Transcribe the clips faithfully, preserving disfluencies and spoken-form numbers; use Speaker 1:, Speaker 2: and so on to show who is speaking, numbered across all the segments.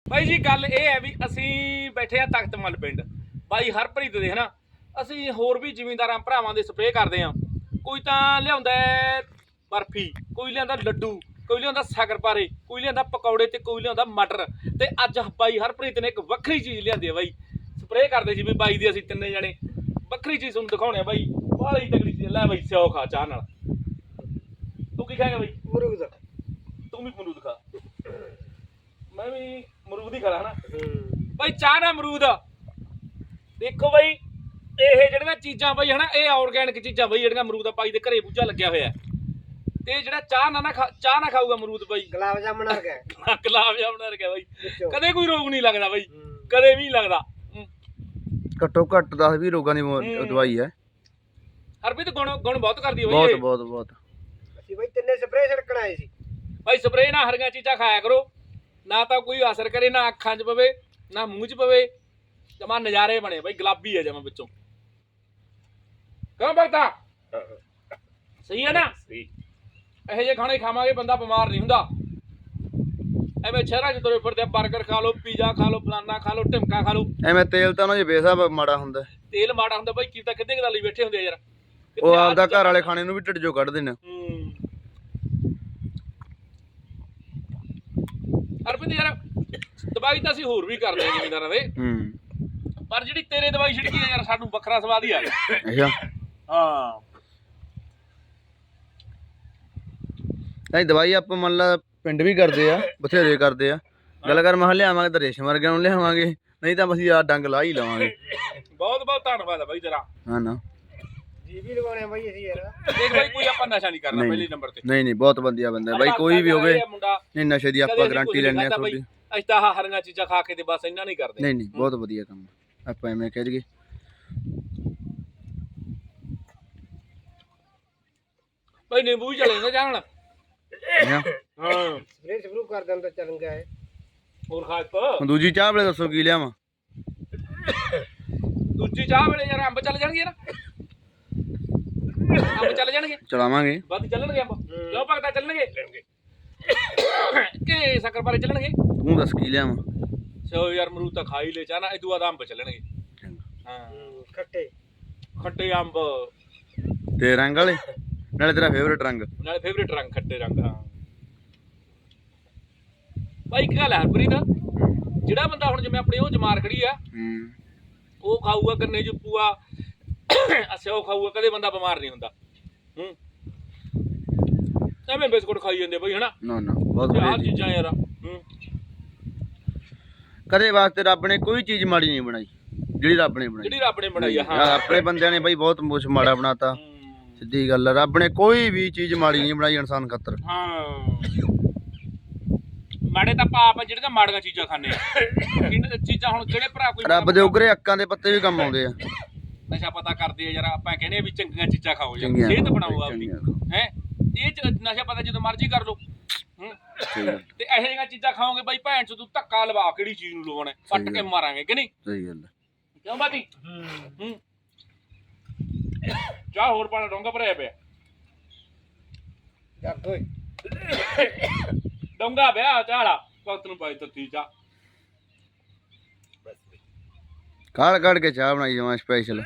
Speaker 1: ਬਾਈ ਜੀ ਗੱਲ ਇਹ ਹੈ ਵੀ ਅਸੀਂ ਬੈਠੇ ਆ ਤਖਤਮਲ ਪਿੰਡ ਬਾਈ ਹਰਪ੍ਰੀਤ ਦੇ ਹਨਾ। ਅਸੀਂ ਹੋਰ ਵੀ ਜ਼ਿਮੀਂਦਾਰਾਂ ਭਰਾਵਾਂ ਦੇ ਸਪਰੇਅ ਕਰਦੇ ਆ। ਕੋਈ ਤਾਂ ਲਿਆਉਂਦਾ ਬਰਫੀ, ਕੋਈ ਲਿਆਉਂਦਾ ਲੱਡੂ, ਕੋਈ ਲਿਆਉਂਦਾ ਸ਼ੱਕਰਪਾਰੇ, ਕੋਈ ਲਿਆਉਂਦਾ ਪਕੌੜੇ ਤੇ ਕੋਈ ਲਿਆਉਂਦਾ ਮਟਰ। ਤੇ ਅੱਜ ਬਾਈ ਹਰਪ੍ਰੀਤ ਨੇ ਇੱਕ ਵੱਖਰੀ ਚੀਜ਼ ਲਿਆਂਦੀ ਹੈ ਬਾਈ। ਸਪਰੇਅ ਕਰਦੇ ਸੀ ਵੀ ਬਾਈ ਦੀ ਅਸੀਂ ਤਿੰਨੇ ਜਣੇ ਵੱਖਰੀ ਚੀਜ਼ ਤੁਹਾਨੂੰ ਦਿਖਾਉਣੇ ਆ ਬਾਈ। ਬਾਹਲੀ ਤਕੜੀ ਚੀਜ਼ ਲੈ ਬਾਈ, ਸਿਓ ਖਾ ਚਾਹ ਨਾਲ। ਤੂੰ ਕੀ ਖਾਏਗਾ ਬਾਈ?
Speaker 2: ਅਮਰੂਦ।
Speaker 1: ਤੂੰ ਵੀ ਅਮਰੂਦ ਖਾ, ਮੈਂ ਵੀ ਅਮਰੂਦ ਹੀ ਖਾ ਹਨਾ ਬਾਈ। ਚਾਹ ਨਾ ਅਮਰੂਦ ਦੇਖੋ ਬਾਈ, ਇਹ ਜਿਹੜੀਆਂ ਚੀਜ਼ਾਂ ਬਾਈ ਹਨਾ, ਇਹ ਆਰਗੈਨਿਕ ਚੀਜ਼ਾਂ ਬਾਈ ਜਿਹੜੀਆਂ ਅਮਰੂਦ ਆ ਬਾਈ ਦੇ ਘਰੇ ਬੂਝਾ ਲੱਗਿਆ ਹੋਇਆ। ਤੇ ਜਿਹੜਾ ਚਾਹ ਨਾ ਨਾ ਚਾਹ ਨਾ ਖਾਊਗਾ ਅਮਰੂਦ ਬਾਈ,
Speaker 2: ਗੁਲਾਬ ਜਾਮਣ ਵਰਗਾ
Speaker 1: ਗੁਲਾਬ ਜਾਮਣ ਵਰਗਾ ਬਾਈ। ਕਦੇ ਕੋਈ ਰੋਗ ਨਹੀਂ ਲੱਗਦਾ ਬਾਈ, ਕਦੇ ਵੀ ਨਹੀਂ ਲੱਗਦਾ।
Speaker 3: ਘੱਟੋ ਘੱਟ ਦਸ ਵੀਹ ਰੋਗਾਂ ਦੀ ਦਵਾਈ ਹੈ।
Speaker 1: ਹਰਪ੍ਰੀਤ ਗੁਣ ਗੁਣ ਬਹੁਤ ਕਰਦੀ ਹੈ
Speaker 3: ਬਹੁਤ
Speaker 1: ਬਾਈ।
Speaker 3: ਬਹੁਤ ਬਹੁਤ
Speaker 2: ਅਸੀਂ ਬਾਈ ਤਿੰਨੇ ਸਪਰੇਅ ਛਿੜਕਣ ਆਏ ਸੀ
Speaker 1: ਬਾਈ। ਸਪਰੇਅ ਨਾ ਹਰੀਆਂ ਚੀਜ਼ਾਂ ਖਾਇਆ ਕਰੋ, ਨਾ ਤਾਂ ਕੋਈ ਅਸਰ ਕਰੇ, ਨਾ ਅੱਖਾਂ 'ਚ ਪਵੇ, ਨਾ ਮੂੰਹ 'ਚ ਪਵੇ। ਜਮਾ ਨਜ਼ਾਰੇ ਬਣੇ ਬਾਈ, ਗੁਲਾਬੀ ਹੈ ਜਮਾ ਵਿੱਚੋਂ। ਕਿਉਂ ਭਗਤਾ? ਸਹੀ ਹੈ ਨਾ? ਇਹੋ ਜਿਹੇ ਖਾਣੇ ਖਾਵਾਂਗੇ ਬੰਦਾ ਬਿਮਾਰ ਨਹੀਂ ਹੁੰਦਾ। ਐਵੇਂ ਸ਼ਹਿਰਾਂ 'ਚ ਤੁਰੇ ਫਿਰਦੇ, ਬਰਗਰ ਖਾ ਲਓ, ਪੀਜ਼ਾ ਖਾ ਲਓ, ਫਲਾਨਾ ਖਾ ਲਓ, ਢਿਮਕਾ ਖਾ ਲਓ।
Speaker 3: ਐਵੇਂ ਤੇਲ ਤਾਂ ਉਹਨਾਂ ਦੇ ਬੇਸਾਬ ਮਾੜਾ ਹੁੰਦਾ।
Speaker 1: ਤੇਲ ਮਾੜਾ ਹੁੰਦਾ ਬਾਈ, ਕੀ ਤਾਂ ਕਿੱਦੇ ਗਦਾਲੀ ਬੈਠੇ ਹੁੰਦੇ ਆ ਯਾਰ।
Speaker 3: ਉਹ ਆਪਦਾ ਘਰ ਵਾਲੇ ਖਾਣੇ ਨੂੰ ਵੀ ਢਿੱਡ ਚੋਂ ਕੱਢਦੇ ਨੇ।
Speaker 1: ਹਰਪ੍ਰੀਤ ਯਾਰ ਦਵਾਈ ਤਾਂ ਅਸੀਂ ਹੋਰ ਵੀ ਕਰਦੇ ਆ ਜ਼ਿਮੀਂਦਾਰਾਂ ਦੇ, ਪਰ ਜਿਹੜੀ ਤੇਰੇ ਦਵਾਈ ਛਿੜਕੀ ਆ ਯਾਰ, ਸਾਨੂੰ ਵੱਖਰਾ ਸਵਾਦ ਹੀ ਆ ਗਿਆ।
Speaker 3: ਅੱਛਾ
Speaker 1: ਹਾਂ,
Speaker 3: ਨਹੀਂ ਦਵਾਈ ਆਪਾਂ ਮੰਨ ਲਾ ਪਿੰਡ ਵੀ ਕਰਦੇ ਆ, ਬਥੇਰੇ ਕਰਦੇ ਆ। ਗੱਲ ਕਰ ਮੈਂ ਲਿਆਵਾਂਗੇ ਤਾਂ ਰੇਸ਼ਮ ਵਰਗਿਆਂ ਨੂੰ ਲਿਆਵਾਂਗੇ, ਨਹੀਂ ਤਾਂ ਅਸੀਂ ਆ ਡੰਗ ਲਾ ਹੀ ਲਵਾਂਗੇ।
Speaker 1: ਬਹੁਤ ਬਹੁਤ ਧੰਨਵਾਦ ਆ ਬਾਈ ਤੇਰਾ।
Speaker 3: ਹਾਂ ਨਾ
Speaker 2: ਜੀ ਵੀ ਲਗਾਉਣੇ ਆ ਬਾਈ ਅਸੀਂ ਯਾਰ।
Speaker 1: ਦੇਖ ਬਾਈ, ਕੋਈ ਆਪਾਂ ਨਸ਼ਾ ਨਹੀਂ ਕਰਨਾ ਪਹਿਲੇ ਨੰਬਰ ਤੇ।
Speaker 3: ਨਹੀਂ ਨਹੀਂ ਬਹੁਤ ਵਧੀਆ ਬੰਦਾ ਬਾਈ, ਕੋਈ ਵੀ ਹੋਵੇ। ਨਹੀਂ ਨਸ਼ੇ ਦੀ ਆਪਾਂ ਗਾਰੰਟੀ ਲੈਣੇ ਆ ਤੁਹਾਡੀ।
Speaker 1: ਅਸੀਂ ਤਾਂ ਆਹ ਹਰੀਆਂ ਚੀਜ਼ਾਂ ਖਾ ਕੇ ਤੇ ਬਸ ਇੰਨਾ ਨਹੀਂ ਕਰਦੇ।
Speaker 3: ਨਹੀਂ ਨਹੀਂ ਬਹੁਤ ਵਧੀਆ ਕੰਮ ਆਪਾਂ ਐਵੇਂ ਕਹਿ ਦਈਏ।
Speaker 1: ਬਾਈ ਨਿੰਬੂ ਵੀ ਚਲੇ ਨਾ ਜਾਣ।
Speaker 3: ਹਾਂ
Speaker 2: ਸਪਰੇਅ ਸ਼ੁਰੂ ਕਰ ਦਿੰਦਾ ਚੱਲ ਗਿਆ ਹੈ।
Speaker 1: ਹੋਰ ਖਾ ਇੱਕ
Speaker 3: ਹੁਣ ਦੂਜੀ ਚਾਹ ਵੇਲੇ ਦੱਸੋ ਕੀ ਲਿਆਵਾਂ?
Speaker 1: ਦੂਜੀ ਚਾਹ ਵੇਲੇ ਯਾਰ ਅੰਬ ਚੱਲ ਜਾਣਗੇ ਨਾ, ਅੰਬ ਚੱਲ ਜਾਣਗੇ,
Speaker 3: ਚਲਾਵਾਂਗੇ
Speaker 1: ਵੱਧ ਚੱਲਣਗੇ ਅੰਬ। ਕਿਉਂ ਭਗਤਾ ਚੱਲਣਗੇ ਕਿ ਸ਼ੱਕਰਪਾਰੇ ਚੱਲਣਗੇ?
Speaker 3: ਤੂੰ ਦੱਸ ਕੀ ਲਿਆਵਾਂ?
Speaker 1: ਸੋ ਯਾਰ ਅਮਰੂਦ ਤਾਂ ਖਾ ਹੀ ਲੈ, ਚਾਹ ਨਾ ਇਦੂ ਬਾਅਦ ਅੰਬ ਚੱਲਣਗੇ। ਹਾਂ
Speaker 2: ਖੱਟੇ
Speaker 1: ਖੱਟੇ ਅੰਬ
Speaker 3: ਤੇ ਰੰਗ ਵਾਲੇ, ਨਾਲੇ ਤੇਰਾ ਫੇਵਰੇਟ ਰੰਗ।
Speaker 1: ਨਾਲੇ ਫੇਵਰੇਟ ਰੰਗ ਖੱਟੇ ਰੰਗ। ਹਾਂ ਬਾਈ ਇੱਕ ਗੱਲ ਹੈ ਹਰਪ੍ਰੀਤ, ਜਿਹੜਾ ਬੰਦਾ ਹੁਣ ਜਿਵੇਂ ਆਪਣੀ ਉਹ ਜਮਾਰ ਖੜੀ ਆ, ਉਹ ਖਾਊਗਾ ਗੰਨੇ ਚ ਪੂਆ ਸਿਓ ਖਾਊਗਾ, ਕਦੇ ਬੰਦਾ ਬਿਮਾਰ ਨਹੀਂ ਹੁੰਦਾ। ਹੂੰ ਐਵੇਂ ਬਿਸਕੁਟ ਖਾਈ ਜਾਂਦੇ ਬਈ ਹਨਾ।
Speaker 3: ਨਾ ਨਾ ਬਹੁਤ
Speaker 1: ਆਹ
Speaker 3: ਵਧੀਆ
Speaker 1: ਚੀਜ਼ਾਂ ਯਾਰ। ਹੂੰ
Speaker 3: ਕਦੇ ਵਾਸਤੇ ਰੱਬ ਨੇ ਕੋਈ ਚੀਜ਼ ਮਾੜੀ ਨਹੀਂ ਬਣਾਈ ਜਿਹੜੀ ਰੱਬ ਨੇ ਬਣਾਈ।
Speaker 1: ਜਿਹੜੀ ਰੱਬ ਨੇ ਬਣਾਈ ਆ। ਹਾਂ
Speaker 3: ਆਪਣੇ ਬੰਦਿਆਂ ਨੇ ਬਾਈ ਬਹੁਤ ਕੁਛ ਮਾੜਾ ਬਣਾਤਾ, ਸਿੱਧੀ ਗੱਲ। ਰੱਬ ਨੇ ਕੋਈ ਵੀ ਚੀਜ਼ ਮਾੜੀ ਨਹੀਂ ਬਣਾਈ ਇਨਸਾਨ ਖਾਤਰ।
Speaker 1: ਹਾਂ ਮਾੜੇ ਤਾਂ ਪਾਪ ਆ ਜਿਹੜੇ ਤਾਂ ਮਾੜੀਆਂ ਚੀਜ਼ਾਂ ਖਾਂਦੇ ਆ। ਚੀਜ਼ਾਂ ਹੁਣ ਜਿਹੜੇ ਭਰਾ ਕੋਈ
Speaker 3: ਰੱਬ ਦੇ ਉਗਰੇ ਅੱਕਾਂ ਦੇ ਪੱਤੇ ਵੀ ਕੰਮ ਆਉਂਦੇ ਆ।
Speaker 1: ਨਸ਼ਾ ਪਤਾ ਕਰਦੇ ਆ ਯਾਰ, ਆਪਾਂ ਕਹਿੰਦੇ ਆ ਵੀ ਚੰਗੀਆਂ ਚੀਜ਼ਾਂ ਖਾਓ ਯਾਰ, ਸਿਹਤ ਬਣਾਓ ਆਪਣੀ ਹੈ। ਇਹ ਨਸ਼ਾ ਪਤਾ ਜਦੋਂ ਮਰਜ਼ੀ ਕਰ ਲਓ। ਤੇ ਇਹੋ ਜਿਹੀਆਂ ਚੀਜ਼ਾਂ ਖਾਓਗੇ ਬਾਈ, ਭੈਣ ਚ ਤੂੰ ਧੱਕਾ ਲਵਾ ਕਿਹੜੀ ਚੀਜ਼ ਨੂੰ ਲਵਾਉਣਾ, ਪੱਟ ਕੇ ਮਾਰਾਂਗੇ ਕਿ ਨਹੀਂ?
Speaker 3: ਸਹੀ ਗੱਲ
Speaker 1: ਕਿਉਂ ਬਾਤੀ? ਹੂੰ ਚਾਹ ਹੋਰ ਪਾਣਾ ਡੋਂਗਾ ਭਰਿਆ ਪਿਆ।
Speaker 2: ਜੱਗ ਓਏ
Speaker 1: ਡੋਂਗਾ ਪਿਆ ਚਾਹ ਵਾਲਾ, ਵਕਤ ਨੂੰ ਪਾਈ ਤੱਤੀ ਚਾਹ।
Speaker 3: ਕਾੜ ਕਾੜ ਕੇ ਚਾਹ ਬਣਾਈ ਜਾਵਾਂ ਸਪੈਸ਼ਲ।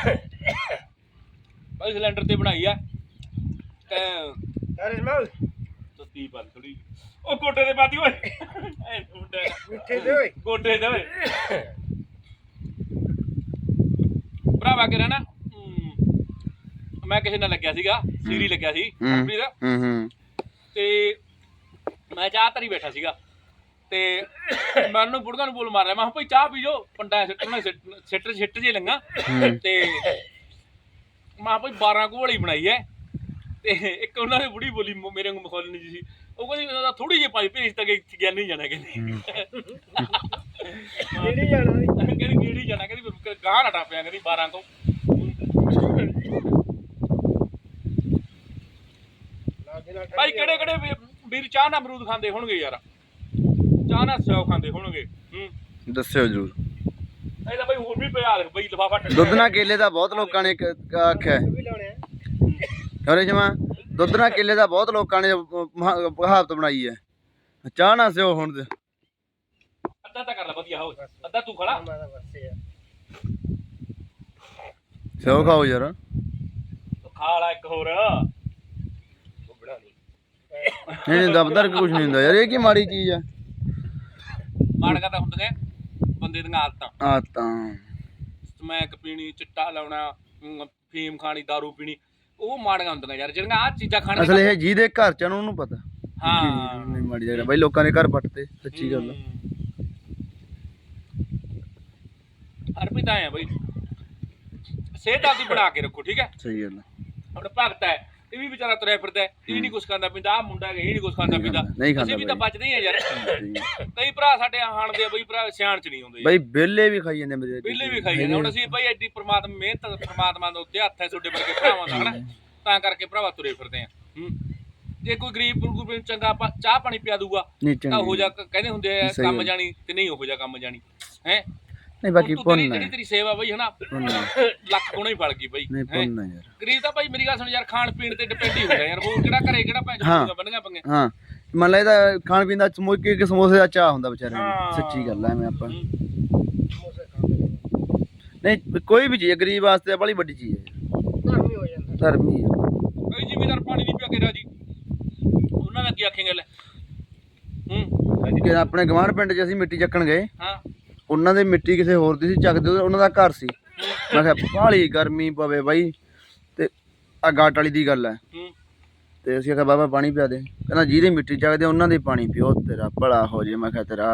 Speaker 1: ਬਾਈ ਸਿਲੰਡਰ ਤੇ ਬਣਾਈ ਆ ਤੇ
Speaker 2: ਅਰੇ ਸਮਾਲ
Speaker 1: ਤੱਤੀ ਪਾ ਥੋੜੀ। ਉਹ ਗੋਡੇ ਦੇ ਪਾਤੀ ਓਏ,
Speaker 2: ਮਿੱਠੇ ਦੇ ਓਏ
Speaker 1: ਗੋਡੇ ਦੇ ਓਏ ਭਰਾਵਾ ਕੇ ਰਹਿਣਾ। ਮੈਂ ਕਿਸੇ ਨਾਲ ਲੱਗਿਆ ਸੀਗਾ, ਸੀਰੀ ਲੱਗਿਆ ਸੀ ਕੰਪਨੀ ਦਾ।
Speaker 3: ਹੂੰ ਹੂੰ
Speaker 1: ਤੇ ਮੈਂ ਚਾਹ ਧਰੀ ਬੈਠਾ ਸੀਗਾ, ਤੇ ਮੈਂ ਉਹਨੂੰ ਬੁੜਗਾ ਨੂੰ ਬੋਲ ਮਾਰ ਰਿਹਾ, ਮੈਂ ਕਿਹਾ ਭਾਈ ਚਾਹ ਪੀ ਜਾਓ, ਪੰਡਾ ਸਿੱਟਣਾ ਸਿੱਟ ਸਿੱਟ ਜੇ ਲੰਗਾ। ਤੇ ਮੈਂ ਭਾਈ ਬਾਰਾਂ ਕੁ ਵਾਲੀ ਬਣਾਈ ਐ। ਤੇ ਇੱਕ ਉਹਨਾਂ ਨੇ ਬੁੜੀ ਬੋਲੀ ਮੇਰੇ ਨੂੰ ਮਖੌਲਣੀ ਜੀ ਸੀ, ਉਹ ਕਹਿੰਦੀ ਥੋੜੀ ਜਿਹੀ ਪਾਈ ਭੇਜ ਤਾਂ ਗਿਆ ਨਹੀਂ ਜਾਣਾ। ਕਹਿੰਦੀ
Speaker 2: ਕਿਹੜੀ ਜਾਣਾ?
Speaker 1: ਕਹਿੰਦੀ ਕਿਹੜੀ ਜਾਣਾ, ਕਹਿੰਦੀ ਗਾਹ ਨਾ ਟੱਪਿਆ, ਕਹਿੰਦੀ ਬਾਰਾਂ ਤੋਂ। ਭਾਈ ਕਿਹੜੇ ਕਿਹੜੇ ਵੀਰ ਚਾਹ ਨਾਲ ਅਮਰੂਦ ਖਾਂਦੇ ਹੋਣਗੇ ਯਾਰ, ਚਾਹ ਨਾਲ ਸਿਓ ਖਾਂਦੇ ਹੋਣਗੇ? ਹੂੰ
Speaker 3: ਦੱਸਿਓ ਜਰੂਰ।
Speaker 1: ਇਹ ਤਾਂ ਭਾਈ ਹੋਰ ਵੀ ਪਿਆ ਬਈ ਲਿਫਾਫਾ।
Speaker 3: ਦੁੱਧ ਨਾਲ ਕੇਲੇ ਦਾ ਬਹੁਤ ਲੋਕਾਂ ਨੇ ਆਖਿਆ ਅਰੇ ਜਮਾ, ਦੁੱਧ ਨਾਲ ਕੇਲੇ ਦਾ ਬਹੁਤ ਲੋਕਾਂ ਨੇ ਕਹਾਵਤ ਬਣਾਈ ਹੈ। ਚਾਹ ਨਾ ਸਿਓ ਹੁਣ
Speaker 1: ਅੱਧਾ ਤਾਂ ਕਰ ਲੈ ਵਧੀਆ ਹੋ ਅੱਧਾ ਤੂੰ ਖੜਾ
Speaker 2: ਮੈਂ ਤਾਂ ਬਸ ਯਾਰ
Speaker 3: ਸਿਓ ਖਾਓ ਯਾਰ
Speaker 1: ਖਾ ਲਾ ਇੱਕ ਹੋਰ
Speaker 2: ਬੁੱਢਾ ਨਹੀਂ
Speaker 3: ਨਹੀਂ ਨਹੀਂ ਦਬਦਰ ਕੁਝ ਨਹੀਂ ਹੁੰਦਾ ਯਾਰ ਇਹ ਕੀ ਮਾੜੀ ਚੀਜ਼ ਆ
Speaker 1: ਮਾੜਕਾ ਤਾਂ ਹੁੰਦੀਆਂ ਬੰਦੇ ਦੀਆਂ ਆਦਤਾਂ
Speaker 3: ਆ ਤਾਂ
Speaker 1: ਸਮੈਕ ਪੀਣੀ ਚਿੱਟਾ ਲਾਉਣਾ ਅਮ, ਫੀਮ ਖਾਣੀ ਦਾਰੂ ਪੀਣੀ ਉਹ ਮਾੜੀਆਂ ਹੁੰਦੀਆਂ ਯਾਰ ਜਿਹੜੀਆਂ ਆਹ ਚੀਜ਼ਾਂ ਖਾਣ
Speaker 3: ਅਸਲ ਇਹ ਜਿਹਦੇ ਘਰ ਚ ਆ ਨਾ ਉਹਨੂੰ ਪਤਾ
Speaker 1: ਹਾਂ
Speaker 3: ਨਹੀਂ ਮਾੜੀ ਜਗ੍ਹਾ ਬਾਈ ਲੋਕਾਂ ਦੇ ਘਰ ਪੱਟਦੇ ਸੱਚੀ ਗੱਲ ਆ
Speaker 1: ਹਰਪ੍ਰੀਤ ਆਏ ਆ ਬਈ ਸਿਹਤ ਆਪਦੀ ਬਣਾ ਕੇ ਰੱਖੋ ਠੀਕ ਹੈ
Speaker 3: ਸਹੀ ਗੱਲ ਆ
Speaker 1: ਹੁਣ ਭਗਤ ਹੈ ਇਹ ਵੀ ਵਿਚਾਰਾ ਤੁਰਿਆ ਫਿਰਦਾ ਹੈ, ਇਹ ਨਹੀਂ ਕੁਛ ਖਾਂਦਾ ਪੀਂਦਾ ਆ ਮੁੰਡਾ ਹੈਗਾ ਇਹ ਨਹੀਂ ਕੁਛ ਖਾਂਦਾ
Speaker 3: ਨਹੀਂ
Speaker 1: ਪੀਂਦਾ
Speaker 3: ਖਾਂਦਾ, ਨਹੀਂ ਖਾਂਦਾ
Speaker 1: ਅਸੀਂ ਵੀ ਤਾਂ
Speaker 3: ਬਾਈ।
Speaker 1: ਬਚਦੇ ਹੀ ਆ ਯਾਰ
Speaker 3: ਸਹੀ ਆ।
Speaker 1: ਕਈ ਭਰਾ ਸਾਡੇ ਹਾਣ ਦੇ ਆ ਬਈ ਭਰਾ ਸਿਆਣ ਚ ਨਹੀਂ ਆਉਂਦੇ
Speaker 3: ਬਾਈ ਬੇਲੇ ਵੀ ਖਾਈ ਜਾਂਦੇ ਮੇਰੇ
Speaker 1: ਪਹਿਲੇ ਵੀ ਖਾਈ ਜਾਂਦੇ ਹੁਣ ਅਸੀਂ ਭਾਈ ਐਡੀ ਪ੍ਰਮਾਤਮਾ ਮਿਹਨਤ ਪ੍ਰਮਾਤਮਾ ਦੇ ਉੱਤੇ ਹੱਥ ਹੈ ਤੁਹਾਡੇ ਵਰਗੇ ਭਰਾਵਾਂ ਦਾ ਹਨਾ ਤਾਂ ਕਰਕੇ ਭਰਾਵਾ ਤੁਰੇ ਫਿਰਦੇ ਆ ਹੂੰ ਜੇ ਕੋਈ ਗਰੀਬ ਗੁਰੂਬ ਨੂੰ ਚੰਗਾ ਆਪਾਂ ਚਾਹ ਪਾਣੀ ਪਿਆ ਦੂਗਾ
Speaker 3: ਨਹੀਂ
Speaker 1: ਤਾਂ ਹੋ
Speaker 3: ਚੰਗੀ
Speaker 1: ਜਾ ਕਹਿੰਦੇ ਹੁੰਦੇ ਆ
Speaker 3: ਸਹੀ
Speaker 1: ਕੰਮ
Speaker 3: ਗੱਲ।
Speaker 1: ਜਾਣੀ ਤੇ ਨਹੀਂ ਹੋ ਜਾ ਕੰਮ ਜਾਣੀ ਹੈ
Speaker 3: ਨਹੀਂ ਬਾਕੀ ਪੁੰਨ
Speaker 1: ਜਿਹੜੀ
Speaker 3: ਹੈ
Speaker 1: ਤੇਰੀ ਸੇਵਾ ਬਈ ਹਨਾ
Speaker 3: ਪੁੰਨ
Speaker 1: ਲੱਖ ਗੁਣਾ ਹੀ ਫਲ ਗਈ ਬਈ
Speaker 3: ਨਹੀਂ
Speaker 1: ਹੈਂ।
Speaker 3: ਪੁੰਨ ਹੈ ਯਾਰ
Speaker 1: ਗਰੀਬ ਤਾਂ ਭਾਈ ਮੇਰੀ ਗੱਲ ਸੁਣ ਯਾਰ ਖਾਣ ਪੀਣ ਤੇ ਡਿਪੈਂਡ ਹੀ ਹੁੰਦਾ ਯਾਰ ਹੋਰ ਕਿਹੜਾ ਘਰੇ ਕਿਹੜਾ ਭੈਣ
Speaker 3: ਹਾਂ।
Speaker 1: ਚੋਂ ਬੰਨੀਆਂ ਪੰਗੇ
Speaker 3: ਹਾਂ ਮੰਨ ਲੈ ਇਹਦਾ ਖਾਣ ਪੀਣ ਦਾ ਸਮੋਕੇ ਇੱਕ ਸਮੋਸੇ ਦਾ ਚਾਹ ਹੁੰਦਾ ਵਿਚਾਰੇ
Speaker 1: ਹਾਂ।
Speaker 3: ਨੂੰ ਸੱਚੀ ਗੱਲ ਐ ਐਵੇਂ ਆਪਾਂ
Speaker 1: ਹੂੰ।
Speaker 2: ਸਮੋਸੇ ਖਾਂਦੇ ਨੇ
Speaker 3: ਨਹੀਂ ਕੋਈ ਵੀ ਚੀਜ਼ ਹੈ, ਗਰੀਬ ਵਾਸਤੇ ਬੜੀ ਵੱਡੀ ਚੀਜ਼ ਹੈ
Speaker 2: ਧਰਮ ਹੀ ਹੋ ਜਾਂਦਾ
Speaker 3: ਧਰਮੀ ਹੈ
Speaker 1: ਕਈ ਜ਼ਿਮੀਦਾਰ ਪਾਣੀ ਨਹੀਂ ਪਿਆ ਕੇ ਰਾਜੀ ਉਹਨਾਂ ਦਾ ਕੀ ਆਖੇਂਗੇ ਲੈ ਹੂੰ
Speaker 3: ਕਿ ਆਪਣੇ ਗਵਾਂਢ ਪਿੰਡ 'ਚ ਅਸੀਂ ਮਿੱਟੀ ਚੱਕਣ ਗਏ
Speaker 1: ਹਾਂ
Speaker 3: ਉਹਨਾਂ ਦੇ ਮਿੱਟੀ ਕਿਸੇ ਹੋਰ ਦੀ ਸੀ ਚੱਕਦੇ ਉਹਦੇ- ਉਹਨਾਂ ਦਾ ਘਰ ਸੀ ਮੈਂ ਕਿਹਾ ਬਾਹਲੀ ਗਰਮੀ ਪਵੇ ਬਾਈ ਤੇ ਆ ਗਾਟ ਵਾਲੀ ਦੀ ਗੱਲ ਹੈ
Speaker 1: ਹੂੰ
Speaker 3: ਤੇ ਅਸੀਂ ਆਖਿਆ ਬਾਬਾ ਪਾਣੀ ਪਿਆ ਦੇ ਕਹਿੰਦਾ ਜਿਹਦੀ ਮਿੱਟੀ ਚੱਕਦੇ ਉਹਨਾਂ ਦੇ ਪਾਣੀ ਪਿਓ ਤੇਰਾ ਭਲਾ ਹੋ ਜੇ ਮੈਂ ਕਿਹਾ ਤੇਰਾ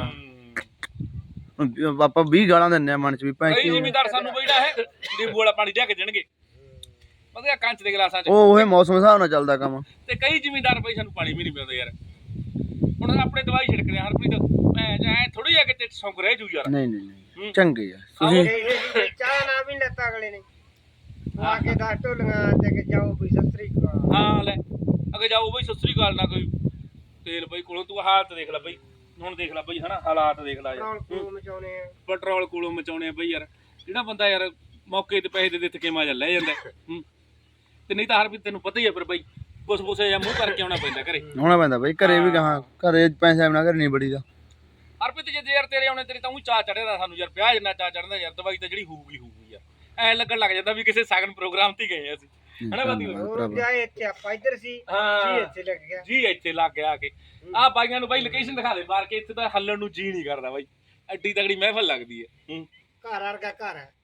Speaker 3: ਆਪਾਂ ਵੀਹ ਗਾਲਾਂ ਦਿੰਦੇ ਆ ਮਨ 'ਚ ਵੀ ਭੈਣ
Speaker 1: ਕਈ
Speaker 3: ਕੀ
Speaker 1: ਜ਼ਿਮੀਦਾਰ ਸਾਨੂੰ ਬਈੜਾ ਹੈ ਨਿੰਬੂ ਵਾਲਾ ਪਾਣੀ ਲਿਆ ਕੇ ਦੇਣਗੇ ਵਧੀਆ ਕੰਚ ਦੇ ਗਲਾਸਾਂ 'ਚ
Speaker 3: ਉਹ ਉਹ ਮੌਸਮ ਹਿਸਾਬ ਨਾਲ ਚੱਲਦਾ ਕੰਮ
Speaker 1: ਤੇ ਕਈ ਜ਼ਿਮੀਦਾਰ ਬਈ ਸਾਨੂੰ ਪਾਣੀ ਵੀ ਨਹੀਂ ਪਿਆਉਂਦੇ ਯਾਰ ਹੁਣ ਆਪਣੇ ਦਵਾਈ ਛਿੜਕਦੇ ਆ ਹਰਪ੍ਰੀਤ ਮੈਂ ਐ ਥੋੜੀ ਜਿਹੀ ਕਿਤੇ ਸੌਂਕ ਰਹਿ ਜੂ ਯਾਰ
Speaker 3: ਨਹੀਂ ਨਹੀਂ ਨਹੀਂ
Speaker 1: ਹੂੰ।
Speaker 3: ਚੰਗੇ ਆ
Speaker 1: ਆਹੋ।
Speaker 3: ਤੁਸੀਂ
Speaker 2: ਇਹ ਚਾਹ ਨਾ ਵੀ ਨੀ ਲੈਤਾ ਅਗਲੇ ਨੇ ਆ ਕੇ ਦਸ ਢੋਲੀਆਂ ਤੇ ਕੇ ਜਾਓ ਵੀ ਸਸਰੀ ਕਾ
Speaker 1: ਹਾਂ ਲੈ ਅੱਗੇ ਜਾਓ ਬਈ ਸਸਰੀ ਗੱਲ ਨਾ ਕੋਈ ਤੇਲ ਬਈ ਕੋਲੋਂ ਤੂੰ ਹਾਲਤ ਦੇਖ ਲੈ ਬਈ ਹੁਣ ਦੇਖ ਲੈ ਬਈ ਹਨਾ ਹਾਲਾਤ ਦੇਖ ਲੈ ਯਾਰ
Speaker 2: ਨਾਲ ਕੋ ਮਚਾਉਣੇ ਆ
Speaker 1: ਪੈਟਰੋਲ ਕੋਲੋਂ ਮਚਾਉਣੇ ਆ ਬਈ ਯਾਰ ਜਿਹੜਾ ਬੰਦਾ ਯਾਰ ਮੌਕੇ ਤੇ ਪੈਸੇ ਦੇ ਦੇ ਥਕੇ ਮਾਜਾ ਲੈ ਜਾਂਦਾ ਹੈ। ਹੂੰ। ਤੇ ਨਹੀਂ ਤਾਂ ਹਰ ਵੀ ਤੈਨੂੰ ਪਤਾ ਹੀ ਹੈ ਫਿਰ ਬਈ ਕੁਛ ਕੁਸੇ ਜਾਂ ਮੂੰਹ ਕਰਕੇ ਆਉਣਾ ਪੈਂਦਾ ਘਰੇ
Speaker 3: ਹੋਣਾ ਪੈਂਦਾ ਬਾਈ ਘਰੇ ਵੀ ਕਹਾਂ ਘਰੇ ਪੈਸੇ ਬਿਨਾ ਘਰ ਨਹੀਂ ਬੜੀ ਦਾ
Speaker 1: ਹਰਪ੍ਰੀਤ ਜੇ ਯਾਰ ਤੇਰੇ ਆਉਣੇ ਤੇਰੇ ਤਾਂ ਉਹ ਚਾਹ ਚੜੇਦਾ ਸਾਨੂੰ ਯਾਰ ਵਿਆਹ ਜਿੰਨਾ ਚਾਹ ਚੜਦਾ ਯਾਰ ਦਵਾਈ ਤਾਂ ਜਿਹੜੀ ਹੋਊਗੀ ਹੋਊਗੀ ਯਾਰ ਐ ਲੱਗਣ ਲੱਗ ਜਾਂਦਾ ਵੀ ਕਿਸੇ ਸਗਨ ਪ੍ਰੋਗਰਾਮ ਤੇ ਗਏ ਅਸੀਂ ਹਨਾ ਬਾਦੀ
Speaker 2: ਹੋਰ ਜਾਏ ਇੱਥੇ ਆਪਾਂ ਇੱਧਰ ਸੀ
Speaker 1: ਹਾਂ।
Speaker 2: ਜੀ ਇੱਥੇ ਲੱਗ ਗਿਆ
Speaker 1: ਜੀ ਇੱਥੇ ਲੱਗ ਗਿਆ ਆ ਕੇ ਆਹ ਬਾਈਆਂ ਨੂੰ ਬਾਈ ਲੋਕੇਸ਼ਨ ਦਿਖਾ ਦੇ ਮਾਰ ਕੇ ਇੱਥੇ ਤਾਂ ਹੱਲਣ ਨੂੰ ਜੀ ਨਹੀਂ ਕਰਦਾ ਬਾਈ ਐਡੀ ਤਗੜੀ ਮਹਿਫਲ ਲੱਗਦੀ ਹੈ ਹੂੰ
Speaker 2: ਘਰ ਵਰਗਾ ਘਰ ਹੈ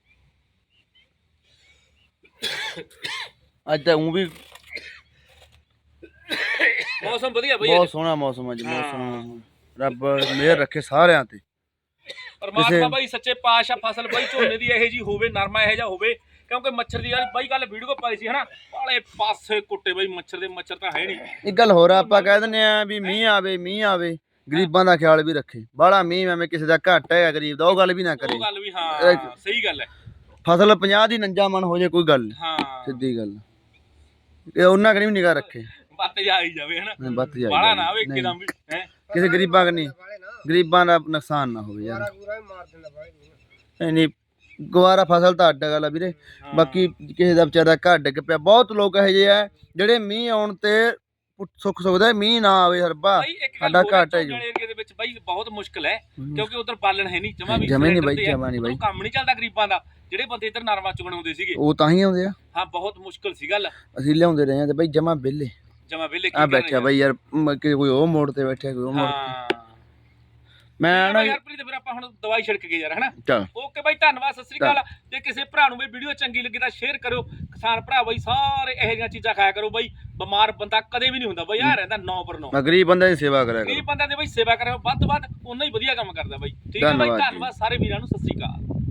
Speaker 3: ਅੱਜ ਤਾਂ ਉਹ ਵੀ
Speaker 1: ਮੌਸਮ ਵਧੀਆ ਬਈ
Speaker 3: ਬਹੁਤ ਸੋਹਣਾ ਮੌਸਮ ਅੱਜ ਮੌਸਮ ਰੱਬ ਮਿਹਰ ਰੱਖੇ ਸਾਰਿਆਂ ਤੇ
Speaker 1: ਪਰਮਾਤਮਾ ਬਾਈ ਸੱਚੇ ਪਾਤਸ਼ਾਹ ਫਸਲ ਬਾਈ ਝੋਨੇ ਦੀ ਇਹੋ ਜੀ ਹੋਵੇ ਨਰਮਾ ਇਹੋ ਜਿਹਾ ਹੋਵੇ ਕਿਉਂਕਿ ਮੱਛਰ ਦੀ ਯਾਰ ਬਾਈ ਕੱਲ ਵੀਡੀਓ ਪਾਈ ਸੀ ਹਨਾ ਵਾਲੇ ਪਾਸੇ ਕੁੱਟੇ ਬਾਈ ਮੱਛਰ ਦੇ ਮੱਛਰ ਤਾਂ ਹੈ ਨਹੀਂ
Speaker 3: ਇੱਕ ਗੱਲ ਹੋਰ ਆ, ਆਪਾਂ ਕਹਿ ਦਿੰਦੇ ਆ ਵੀ ਮੀਂਹ ਆਵੇ ਮੀਂਹ ਆਵੇ ਗਰੀਬਾਂ ਦਾ ਖਿਆਲ ਵੀ ਰੱਖੇ ਬਾਹਲਾ ਮੀਂਹ ਐਵੇਂ ਕਿਸੇ ਦਾ ਘੱਟ ਹੈ ਗਰੀਬ ਦਾ ਉਹ ਗੱਲ ਵੀ ਨਾ ਕਰੇ
Speaker 1: ਉਹ ਗੱਲ ਵੀ ਹਾਂ ਸਹੀ ਗੱਲ ਹੈ
Speaker 3: ਫਸਲ ਪੰਜਾਹ ਦੀ ਨੰਜਾ ਮਨ ਹੋ ਜੇ ਕੋਈ ਗੱਲ ਨੀ,
Speaker 1: ਹਾਂ
Speaker 3: ਸਿੱਧੀ ਗੱਲ ਇਹ ਉਹਨਾਂ ਕਨੀ ਵੀ ਨਿਗਾਹ ਰੱਖੇ
Speaker 1: ਬੱਤ ਜਾ ਆਈ ਜਾਵੇ ਹਨਾ
Speaker 3: ਬੱਤ ਜਾਈ
Speaker 1: ਬਾਲਾ ਨਾ ਆਵੇ ਇੱਕਦਮ ਵੀ ਹੈ
Speaker 3: ਕਿਸੇ ਗਰੀਬਾਂ ਕਨੀ
Speaker 2: ਵਾਲੇ ਨਾ
Speaker 3: ਗਰੀਬਾਂ ਦਾ ਨੁਕਸਾਨ ਨਾ ਹੋਵੇ ਯਾਰ
Speaker 2: ਸਾਰਾ ਪੂਰਾ ਹੀ ਮਾਰ ਦਿੰਦਾ ਬਾਈ
Speaker 3: ਨਹੀਂ ਨਹੀਂ ਗਵਾਰਾ ਫਸਲ ਤਾਂ ਅੱਡ ਗੱਲ ਆ ਵੀਰੇ ਬਾਕੀ ਕਿਸੇ ਦਾ ਵਿਚਾਰਾ ਘਰ ਡਿੱਗ ਪਿਆ ਬਹੁਤ ਲੋਕ ਇਹੋ ਜਿਹੇ ਆ ਜਿਹੜੇ ਮੀਂਹ ਆਉਣ ਤੇ ਪੁ- ਸੁੱਖ ਸੁਖਦਾ ਮੀਂਹ ਨਾ ਆਵੇ ਹਰਬਾ
Speaker 1: ਬਾਈ ਇੱਕ ਗੱਲ
Speaker 3: ਸਾਡਾ
Speaker 1: ਹੋਰ ਹੈ,
Speaker 3: ਘਾਟ ਹੈ
Speaker 1: ਝੋਨੇ ਏਰੀਏ ਦੇ ਵਿੱਚ ਬਾਈ ਬਹੁਤ ਮੁਸ਼ਕਲ ਹੈ ਕਿਉਂਕਿ ਉਧਰ ਬਾਲਣ ਹੈ ਨਹੀਂ ਜਮਾ ਵੀ
Speaker 3: ਜਮਾਂ ਹੀ ਨੀ
Speaker 1: ਸਿਲੰਡਰ
Speaker 3: ਬਾਈ,
Speaker 1: ਤੇ ਹੈ,
Speaker 3: ਜਮਾਂ ਨੀ ਬਾਈ।
Speaker 1: ਉਧਰੋਂ ਕੰਮ ਨਹੀਂ ਚੱਲਦਾ ਗਰੀਬਾਂ ਦਾ ਜਿਹੜੇ ਬੰਦੇ ਇੱਧਰ ਨਰਮਾ ਚੁਗਣ ਆਉਂਦੇ ਸੀਗੇ
Speaker 3: ਉਹ ਤਾਂ ਹੀ ਆਉਂਦੇ ਆ
Speaker 1: ਹਾਂ ਬਹੁਤ ਮੁਸ਼ਕਲ ਸੀ ਗੱਲ
Speaker 3: ਅਸੀਂ ਲਿਆਉਂਦੇ ਰਹੇ ਆ ਤੇ ਬਈ ਜਮਾ ਵਿਹਲੇ
Speaker 1: ਜਮਾ ਵੇਲੇ
Speaker 3: ਆ ਬੈਠਿਆ ਬਈ ਯਾਰ ਮ- ਕਿ ਕੋਈ ਉਹ ਮੋੜ ਤੇ ਬੈਠਿਆ ਕੋਈ ਉਹ ਮੋੜ ਤੇ
Speaker 1: ਹਾਂ
Speaker 3: ਮੈਂ ਨਾ
Speaker 1: ਯਾਰ ਪ੍ਰੀਤ ਫਿਰ ਆਪਾਂ ਹੁਣ ਦਵਾਈ ਛਿੜਕ ਗਏ ਯਾਰ ਹਨਾ
Speaker 3: ਚੱਲ
Speaker 1: ਓਕੇ ਬਾਈ ਧੰਨਵਾਦ ਸਤਿ ਸ੍ਰੀ ਅਕਾਲ ਜੇ ਕਿਸੇ ਭਰਾ ਨੂੰ ਵੀ ਵੀਡੀਓ ਚੰਗੀ ਲੱਗੀ ਤਾਂ ਸ਼ੇਅਰ ਕਰਿਓ ਕਿਸਾਨ ਭਰਾ ਬਾਈ ਸਾਰੇ ਇਹੋ ਜਿਹੀਆਂ ਚੀਜ਼ਾਂ ਖਾਇਆ ਕਰੋ ਬਾਈ ਬਿਮਾਰ ਬੰਦਾ ਕਦੇ ਵੀ ਨਹੀਂ ਹੁੰਦਾ ਬਾਈ ਆ ਰਹਿੰਦਾ ਨੌ ਪਰ ਨੌ
Speaker 3: ਮੈਂ ਗਰੀਬ ਬੰਦੇ ਦੀ ਸੇਵਾ ਕਰਿਆ ਕਰੋ
Speaker 1: ਗਰੀਬ ਬੰਦਿਆਂ ਦੀ ਬਾਈ ਸੇਵਾ ਕਰਿਓ ਵੱਧ ਤੋਂ ਵੱਧ ਉਨਾ ਹੀ ਵਧੀਆ ਕੰਮ ਕਰਦਾ ਬਾਈ ਠੀਕ ਹੈ ਬਾਈ
Speaker 3: ਧੰਨਵਾਦ ਜੀ।
Speaker 1: ਧੰਨਵਾਦ ਸਾਰੇ ਵੀਰਾਂ ਨੂੰ ਸਤਿ ਸ੍ਰੀ ਅਕਾਲ